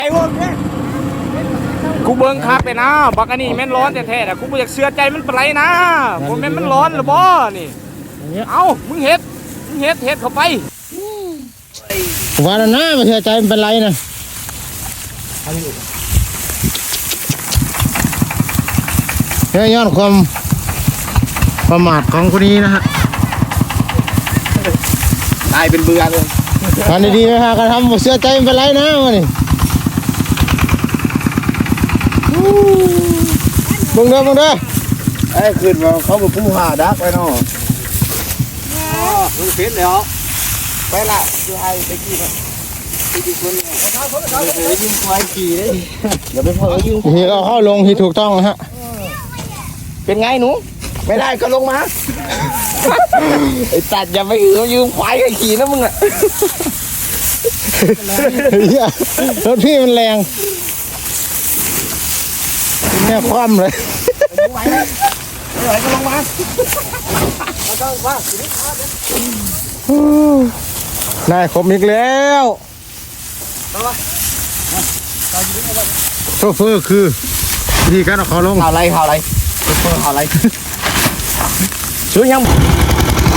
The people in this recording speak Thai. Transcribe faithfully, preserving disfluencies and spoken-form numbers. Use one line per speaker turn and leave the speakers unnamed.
ไอ้วงเนี่ยกูเบิ้งคักเลยนะบักอันนี้แม่นร้อนแท้ๆแต่กูไม่อยากเชื่อใจมันเป็นไรนะผมแม่นมันร้อนหรือบ่นี่เอ้ามึงเฮ็ดมึงเฮ็ดเฮ็ดเข้าไป
ว่าแล้วนะไม่เชื่อใจมันเป็นไรนะเฮ้ยย้อนความประมาทของคนนี้นะฮะ
ตายเป็นเบื่อเลย
ทำดีๆไหมฮะการทำเชื่อใจมันเป็นไรนะวะนี่มึงเด้อมึงเด้อ
ไอ้ขึ้นมาเขาบอกผู้หาดักไปเนาะมึงเฟ้นเลยเหรอไปละดูไอ้ไปกี่นะไปกี่คนเนี่ยเดี๋ยวยิงควายขี่เลยเดี๋ยวไปพอยิง
ที่เราเข้าลงที่ถูกต้องนะฮะ
เป็นไงหนูไม่ได้ก็ลงมาไอ้ตัดอย่าไปหือยืมควายกันขี่นะมึงอ่ะ
รถพี่มันแรงแม่คว่ำเลย
ไม่ไหวไม่ไหวก็ลงมาเอาต้องว่าสิ
นายคมอีกแล้วโชเฟอร์คือวิธีการเอาเขาลง
ข่าวอะไรข่าวอะไรโชเฟอร์ข่าวอะไรซื้อยัง